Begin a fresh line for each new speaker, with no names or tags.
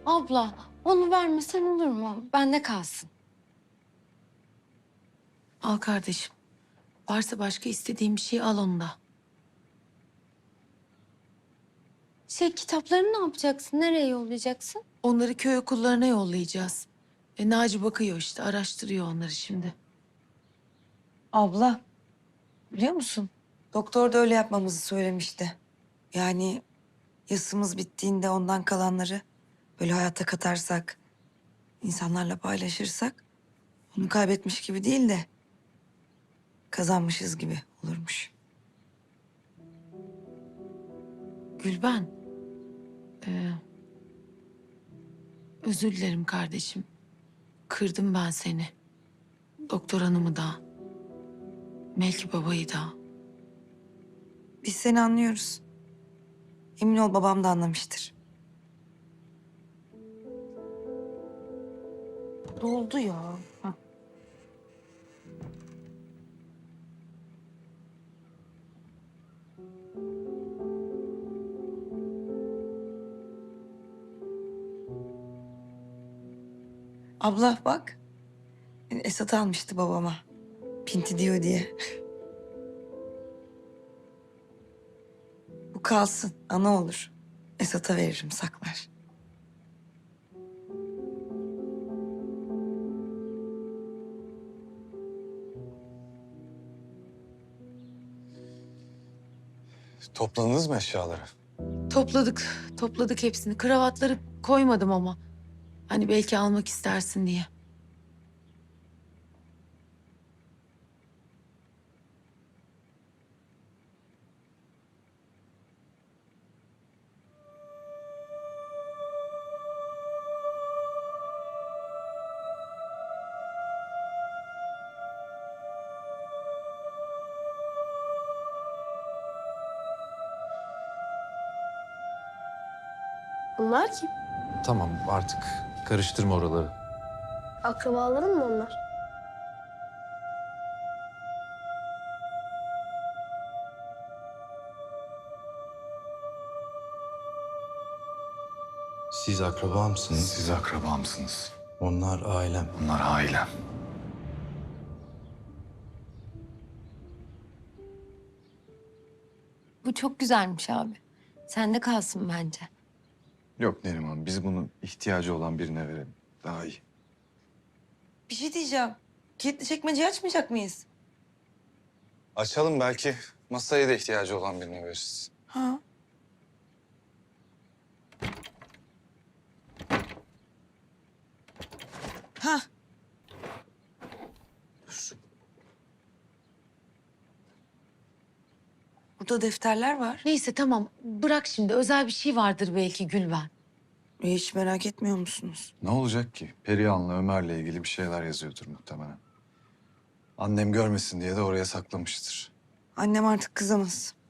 Abla onu vermesen olur mu? Bende kalsın.
Al kardeşim. Varsa başka istediğin bir şey al onu da.
Kitaplarını ne yapacaksın? Nereye yollayacaksın?
Onları köy okullarına yollayacağız. Naci bakıyor işte, araştırıyor onları şimdi.
Abla, biliyor musun? Doktor da öyle yapmamızı söylemişti. Yani yasımız bittiğinde ondan kalanları böyle hayata katarsak, insanlarla paylaşırsak onu kaybetmiş gibi değil de kazanmışız gibi olurmuş.
Gülben. Özür dilerim kardeşim. Kırdım ben seni. Doktor hanımı da. Melki babayı da.
Biz seni anlıyoruz. Emin ol babam da anlamıştır. Doldu ya. Hah. Abla bak. Esat almıştı babama. Pinti diyor diye. Bu kalsın. Ana olur. Esat'a veririm saklar.
Topladınız mı eşyaları?
Topladık hepsini. Kravatları koymadım ama. Hani belki almak istersin diye.
Bunlar kim?
Tamam artık karıştırma oraları.
Akrabaların mı onlar?
Siz akraba mısınız?
Siz akraba mısınız?
Onlar ailem.
Bunlar ailem.
Bu çok güzelmiş abi. Sende kalsın bence.
Yok Neriman, biz bunu ihtiyacı olan birine verelim. Daha iyi.
Bir şey diyeceğim. Kilitli çekmeceyi açmayacak mıyız?
Açalım, belki masaya da ihtiyacı olan birine veririz.
Ha. Ha. Dur. Burada defterler var.
Neyse tamam. Bırak şimdi. Özel bir şey vardır belki Gülben.
Hiç merak etmiyor musunuz?
Ne olacak ki? Perihan'la Ömer'le ilgili bir şeyler yazıyordur muhtemelen. Annem görmesin diye de oraya saklamıştır.
Annem artık kızamaz.